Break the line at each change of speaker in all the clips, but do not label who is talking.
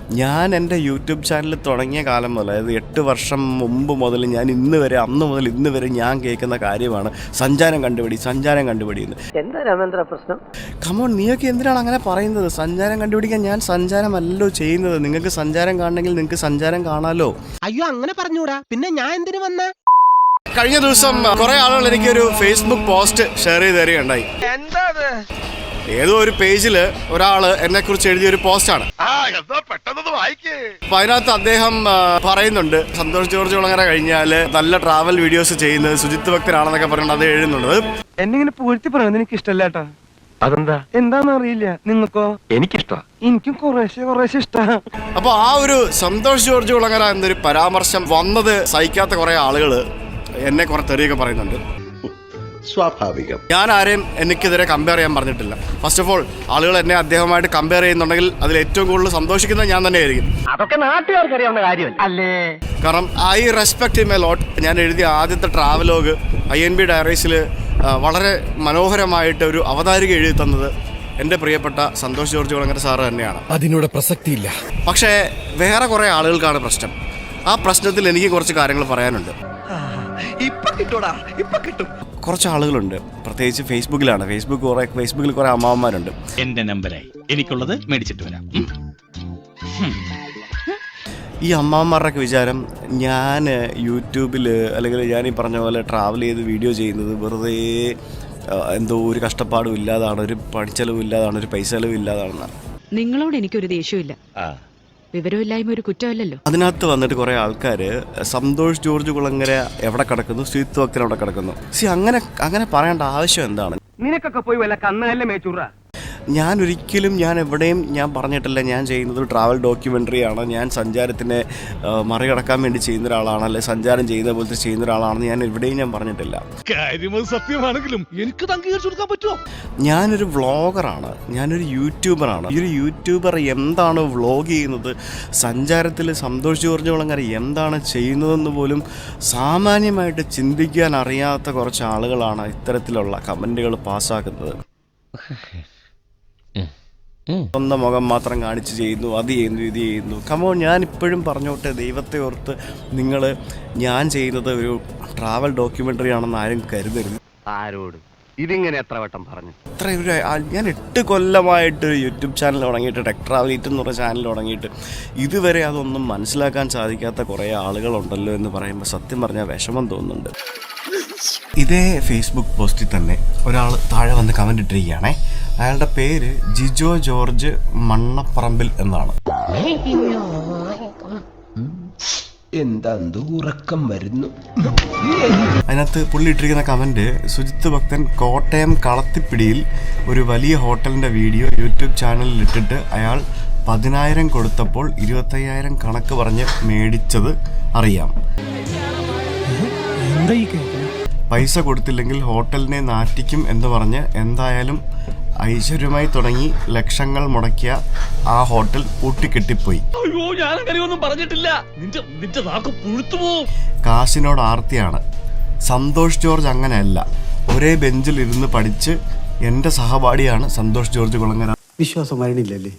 ഞാൻ എൻ്റെ YouTube channel തുടങ്ങിയ കാലം മുതൽ, അതായത് 8 വർഷം മുമ്പ് മുതൽ ഞാൻ അന്ന് മുതൽ ഇന്ന് വരെ ഞാൻ കേൾക്കുന്ന കാര്യമാണ് സഞ്ചാരം കണ്ടുപിടി എന്ന്.
എന്താ രാമേന്ദ്ര പ്രശ്നം?
കമോൺ, നീയൊക്കെ എന്തിനാണ് അങ്ങനെ പറയുന്നത്? സഞ്ചാരം കണ്ടുപിടിക്കാൻ ഞാൻ സഞ്ചാരമല്ലോ ചെയ്യുന്നത്. നിങ്ങൾക്ക് സഞ്ചാരം കാണണമെങ്കിൽ നിങ്ങൾക്ക് സഞ്ചാരം കാണാമല്ലോ.
അയ്യോ, അങ്ങനെ പറഞ്ഞൂടാ. പിന്നെ ഞാൻ എന്തിനു വന്ന?
കഴിഞ്ഞ ദിവസം കുറെ ആളുകൾ എനിക്കൊരു ഫേസ്ബുക്ക് പോസ്റ്റ് ഷെയർ ചെയ്ത് തരികയുണ്ടായി. ഏതോ ഒരു പേജിൽ ഒരാള് എന്നെ കുറിച്ച് എഴുതിയൊരു പോസ്റ്റാണ്. അപ്പൊ അതിനകത്ത് അദ്ദേഹം പറയുന്നുണ്ട്, സന്തോഷ് ജോർജ് കുളങ്ങര കഴിഞ്ഞാൽ നല്ല ട്രാവൽ വീഡിയോസ് ചെയ്യുന്നത് സുജിത്ത് ഭക്തനാണെന്നൊക്കെ പറഞ്ഞിട്ട് അത് എഴുതുന്നുണ്ട്.
എന്നിങ്ങനെ പൂഴ്ത്തി പറയുന്നത് എനിക്ക് ഇഷ്ടമല്ലേട്ടാ. അതെന്താ? എന്താന്ന് അറിയില്ല. നിങ്ങൾക്കോ? എനിക്കിഷ്ട. എനിക്കും കുറേശ്ശെ ഇഷ്ട.
അപ്പൊ ആ ഒരു സന്തോഷ് ജോർജ് കുളങ്ങര എന്നൊരു പരാമർശം വന്നത് സഹിക്കാത്ത കുറെ ആളുകള് എന്നെ കുറെ തെറിയൊക്കെ പറയുന്നുണ്ട്.
സ്വാഭാവികം.
ഞാൻ ആരെയും എനിക്കെതിരെ കമ്പയർ ചെയ്യാൻ പറഞ്ഞിട്ടില്ല. ഫസ്റ്റ് ഓഫ് ഓൾ, ആളുകൾ എന്നെ അദ്ദേഹമായിട്ട് കമ്പയർ ചെയ്യുന്നുണ്ടെങ്കിൽ അതിൽ ഏറ്റവും കൂടുതൽ സന്തോഷിക്കുന്നത് ഞാൻ തന്നെ ആയിരിക്കും.
അതൊക്കെ നാട്ടുകാർക്ക് അറിയാവുന്ന കാര്യമല്ല അല്ലേ?
കാരണം I respect him a lot. ഞാൻ എഴുതിയ ആദ്യത്തെ ട്രാവലോഗ് INB ഡയറീസിൽ വളരെ മനോഹരമായിട്ട് ഒരു അവതാരിക എഴുതി തന്നത് എൻ്റെ പ്രിയപ്പെട്ട സന്തോഷ് ജോർജ് കുളങ്ങര സാറ് തന്നെയാണ്.
അതിനോട് പ്രസക്തിയില്ല.
പക്ഷേ വേറെ കുറേ ആളുകൾക്കാണ് പ്രശ്നം. ആ പ്രശ്നത്തിൽ എനിക്ക് കുറച്ച് കാര്യങ്ങൾ പറയാനുണ്ട്. കുറച്ച് ആളുകളുണ്ട്, പ്രത്യേകിച്ച് ഫേസ്ബുക്കിലാണ്. ഫേസ്ബുക്കിൽ കുറെ അമ്മാവന്മാരുണ്ട്.
എന്റെ നമ്പറായി എനിക്കുള്ളത് മേടിച്ചിട്ട് വരാം.
ഈ അമ്മാവന്മാരുടെയൊക്കെ വിചാരം ഞാൻ യൂട്യൂബിൽ അല്ലെങ്കിൽ ഞാൻ ഈ പറഞ്ഞ പോലെ ട്രാവൽ ചെയ്ത് വീഡിയോ ചെയ്യുന്നത് വെറുതെ എന്തോ ഒരു കഷ്ടപ്പാടും ഇല്ലാതാണ്, ഒരു പണിച്ചെലവും ഇല്ലാതാണ്, ഒരു പൈസ ചെലവും ഇല്ലാതാണെന്നാണ്.
നിങ്ങളോട് എനിക്കൊരു ദേഷ്യമില്ല. വിവരമില്ലായ്മ ഒരു കുറ്റമല്ലല്ലോ.
അതിനകത്ത് വന്നിട്ട് കുറെ ആൾക്കാർ സന്തോഷ് ജോർജ് കുളങ്ങര എവിടെ കിടക്കുന്നു, സുജിത്ത് ഭക്തൻ എവിടെ കിടക്കുന്നു. അങ്ങനെ പറയേണ്ട ആവശ്യം എന്താണ്?
നിനക്കൊക്കെ പോയി വല്ല കന്നുകല്ലേ മേച്ചൂറ.
ഞാൻ എവിടെയും ഞാൻ പറഞ്ഞിട്ടില്ല ഞാൻ ചെയ്യുന്നത് ട്രാവൽ ഡോക്യുമെൻ്ററിയാണ്, ഞാൻ സഞ്ചാരത്തിനെ മറികടക്കാൻ വേണ്ടി ചെയ്യുന്ന ഒരാളാണ്, അല്ലെ സഞ്ചാരം ചെയ്യുന്ന പോലത്തെ ചെയ്യുന്ന ഒരാളാണെന്ന് ഞാൻ എവിടെയും ഞാൻ പറഞ്ഞിട്ടില്ല.
സത്യമാണെങ്കിലും എനിക്ക് അംഗീകരിച്ചു കൊടുക്കാൻ പറ്റുമോ?
ഞാനൊരു വ്ളോഗറാണ്, ഞാനൊരു യൂട്യൂബറാണ്. ഈ ഒരു യൂട്യൂബർ എന്താണ് വ്ളോഗ് ചെയ്യുന്നത്, സഞ്ചാരത്തിൽ സന്തോഷ് ജോർജ് കുളങ്ങര എന്താണ് ചെയ്യുന്നതെന്ന് പോലും സാമാന്യമായിട്ട് ചിന്തിക്കാൻ അറിയാത്ത കുറച്ച് ആളുകളാണ് ഇത്തരത്തിലുള്ള കമൻറ്റുകൾ പാസ്സാക്കുന്നത്. സ്വന്തം മുഖം മാത്രം കാണിച്ച് ചെയ്യുന്നു, അത് ചെയ്യുന്നു, ഇത് ചെയ്യുന്നു. കമോൺ, ഞാൻ ഇപ്പോഴും പറഞ്ഞോട്ടെ, ദൈവത്തെ ഓർത്ത് നിങ്ങൾ ഞാൻ ചെയ്യുന്നത് ഒരു ട്രാവൽ ഡോക്യുമെൻ്ററി ആണെന്ന് ആരും കരുതരുത്.
ആരോട് ഇതിങ്ങനെ എത്ര വട്ടം പറഞ്ഞു?
ഞാൻ 8 കൊല്ലമായിട്ട് യൂട്യൂബ് ചാനൽ തുടങ്ങിയിട്ട്, ടെക് ട്രാവൽ ഈറ്റ് എന്ന് പറഞ്ഞ ചാനൽ തുടങ്ങിയിട്ട് ഇതുവരെ അതൊന്നും മനസ്സിലാക്കാൻ സാധിക്കാത്ത കുറേ ആളുകളുണ്ടല്ലോ എന്ന് പറയുമ്പോൾ സത്യം പറഞ്ഞാൽ വിഷമം തോന്നുന്നുണ്ട്. ഇതേ ഫേസ്ബുക്ക് പോസ്റ്റിൽ തന്നെ ഒരാൾ താഴെ വന്ന് കമൻ്റ് ഇട്ടിരിക്കുകയാണേ. അയാളുടെ പേര് ജിജോ ജോർജ് മണ്ണപ്പറമ്പിൽ എന്നാണ്.
എന്താ ഉറക്കം വരുന്നു.
അതിനകത്ത് പുള്ളി ഇട്ടിരിക്കുന്ന കമൻറ്റ്, സുജിത്ത് ഭക്തൻ കോട്ടയം കളത്തിപ്പിടിയിൽ ഒരു വലിയ ഹോട്ടലിൻ്റെ വീഡിയോ യൂട്യൂബ് ചാനലിൽ ഇട്ടിട്ട് അയാൾ 10,000 കൊടുത്തപ്പോൾ 25,000 കണക്ക് പറഞ്ഞ് മേടിച്ചത് അറിയാം. പൈസ കൊടുത്തില്ലെങ്കിൽ ഹോട്ടലിനെ നാറ്റിക്കും എന്ന് പറഞ്ഞ് എന്തായാലും ഐശ്വര്യമായി തുടങ്ങി ലക്ഷങ്ങൾ മുടക്കിയ ആ ഹോട്ടൽ പൂട്ടിക്കെട്ടിപ്പോയി. കാശിനോട് ആർത്തിയാണ്. സന്തോഷ് ജോർജ് അങ്ങനെയല്ല. ഒരേ ബെഞ്ചിൽ ഇരുന്ന് പഠിച്ച് എൻ്റെ സഹപാഠിയാണ് സന്തോഷ് ജോർജ് കുളങ്ങര.
വിശ്വാസം വരണില്ലല്ലേ?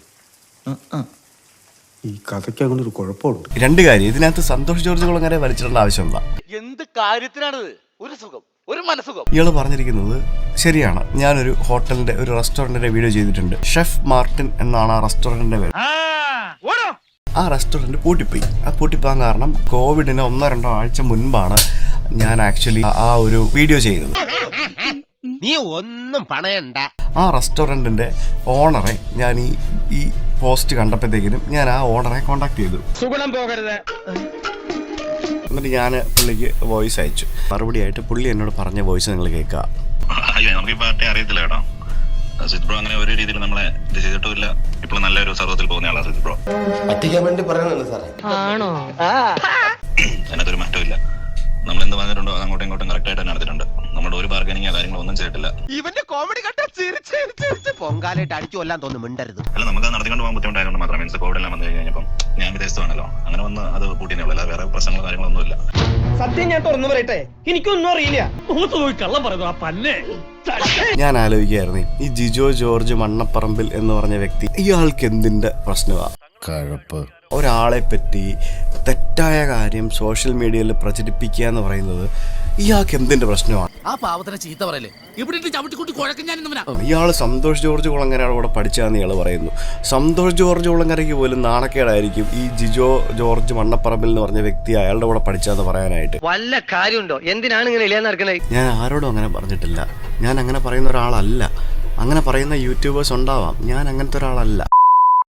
ഈ കഥയ്ക്ക് അങ്ങനെ ഒരു കുഴപ്പമുണ്ട്.
2 കാര്യം ഇതിനകത്ത് സന്തോഷ് ജോർജ് കുളങ്ങര വലിച്ചിടേണ്ട ആവശ്യം എന്താ?
എന്ത് കാര്യത്തിനാണിത്? ഒരു സുഖം, ഒരു മനസുഖം.
ഇയാള് പറഞ്ഞിരിക്കുന്നത് ശരിയാണ്. ഞാനൊരു ഹോട്ടലിന്റെ, ഒരു റെസ്റ്റോറന്റിന്റെ വീഡിയോ ചെയ്തിട്ടുണ്ട്. ഷെഫ് മാർട്ടിൻ എന്നാണ് ആ റെസ്റ്റോറന്റിന്റെ പേര്. ആ റെസ്റ്റോറന്റ് പൂട്ടിപ്പോയി. ആ പൂട്ടിപ്പോകാൻ കാരണം കോവിഡിന് 1-2 ആഴ്ച മുൻപാണ് ഞാൻ ആക്ച്വലി ആ ഒരു വീഡിയോ ചെയ്തത്.
നീ ഒന്നും പണയണ്ട.
ആ റെസ്റ്റോറന്റിന്റെ ഓണറെ ഞാൻ ഈ പോസ്റ്റ് കണ്ടപ്പോഴത്തേക്കിനും ഞാൻ ആ ഓണറെ കോണ്ടാക്ട് ചെയ്തു.
സുഗുണം പോകരുത്.
എന്നിട്ട് ഞാൻ പുള്ളിക്ക് വോയിസ് അയച്ചു. മറുപടിയായിട്ട് പുള്ളി എന്നോട് പറഞ്ഞ വോയിസ് നിങ്ങൾ കേൾക്കുക.
നമുക്ക് ഈ പാർട്ടി അറിയത്തില്ല കേട്ടോ. സിദ് ബ്രോ അങ്ങനെ ഒരു രീതിയിൽ നമ്മളെ ഇത് ചെയ്തിട്ടുമില്ല. ഇപ്പോൾ നല്ലൊരു സർവ്വത്തിൽ പോകുന്ന ആളാണ് സിദ് ബ്രോ.
പറ്റിക്കാൻ വേണ്ടി പറയണല്ലോ സാറേ.
ആണോ?
അതിനകത്തൊരു മാറ്റമില്ല. നമ്മൾ എന്ത് പറഞ്ഞിട്ടുണ്ടോ അത് അങ്ങോട്ടും ഇങ്ങോട്ടും കറക്റ്റ് ആയിട്ട് നടത്തിയിട്ടുണ്ട്. നമ്മുടെ ഒരു ബാർഗനിങ് കാര്യങ്ങളൊന്നും ചെയ്തിട്ടില്ല.
ഇവന്റെ കോമഡി കണ്ട പൊങ്കാലായിട്ട് അടിച്ചു കൊല്ലാൻ തോന്നുന്നു. മിണ്ടരുത്.
അല്ല, നമുക്ക് നടത്തിക്കൊണ്ട് പോകാൻ ബുദ്ധിമുട്ടായതുകൊണ്ട് മാത്രം. മീൻസ് കോവിഡ് എല്ലാം വന്നു കഴിഞ്ഞപ്പം ഞാൻ വിദേശത്താണല്ലോ, അങ്ങനെ വന്ന് അത് പൂട്ടിയേ ഉള്ളൂ. വേറെ പ്രശ്നങ്ങളോ കാര്യങ്ങളൊന്നും ഇല്ല.
സത്യം ഞാൻ തുറന്നു പറയട്ടെ, എനിക്കൊന്നും അറിയില്ല.
കള്ളം പറയുന്നു ആ പല്ലേ.
ഞാൻ ആലോചിക്കുകയായിരുന്നു, ഈ ജിജോ ജോർജ് മണ്ണപ്പറമ്പിൽ എന്ന് പറഞ്ഞ വ്യക്തി, ഇയാൾക്ക് എന്തിന്റെ പ്രശ്നമാണ്?
കഴപ്പ്.
ഒരാളെ പറ്റി തെറ്റായ കാര്യം സോഷ്യൽ മീഡിയയിൽ പ്രചരിപ്പിക്കുക എന്ന് പറയുന്നത് ഇയാൾക്ക് എന്തിൻ്റെ പ്രശ്നമാണ്?
ആ പാവത്തിനെ ചീത്ത പറയല്ലേ ഇവിടെ ചവിട്ടിക്കൂട്ടി കുഴക്കം ഞാൻ
ഇയാൾ സന്തോഷ് ജോർജ് കുളങ്ങരയുടെ കൂടെ പഠിച്ചാന്ന് ഇയാൾ പറയുന്നു. സന്തോഷ് ജോർജ് കുളങ്ങരയ്ക്ക് പോലും നാണക്കേടായിരിക്കും ഈ ജിജോ ജോർജ് മണ്ണപ്പറമ്പിൽ എന്ന് പറഞ്ഞ വ്യക്തി അയാളുടെ കൂടെ പഠിച്ചാന്ന് പറയാനായിട്ട്.
വല്ല കാര്യമുണ്ടോ? എന്തിനാണ് ഇങ്ങനെ ഇല്ലാന്ന് നടക്കണേ?
ഞാൻ ആരോടും അങ്ങനെ പറഞ്ഞിട്ടില്ല. ഞാൻ അങ്ങനെ പറയുന്ന ഒരാളല്ല. അങ്ങനെ പറയുന്ന യൂട്യൂബേഴ്സ് ഉണ്ടാവാം, ഞാൻ അങ്ങനത്തെ ഒരാളല്ല.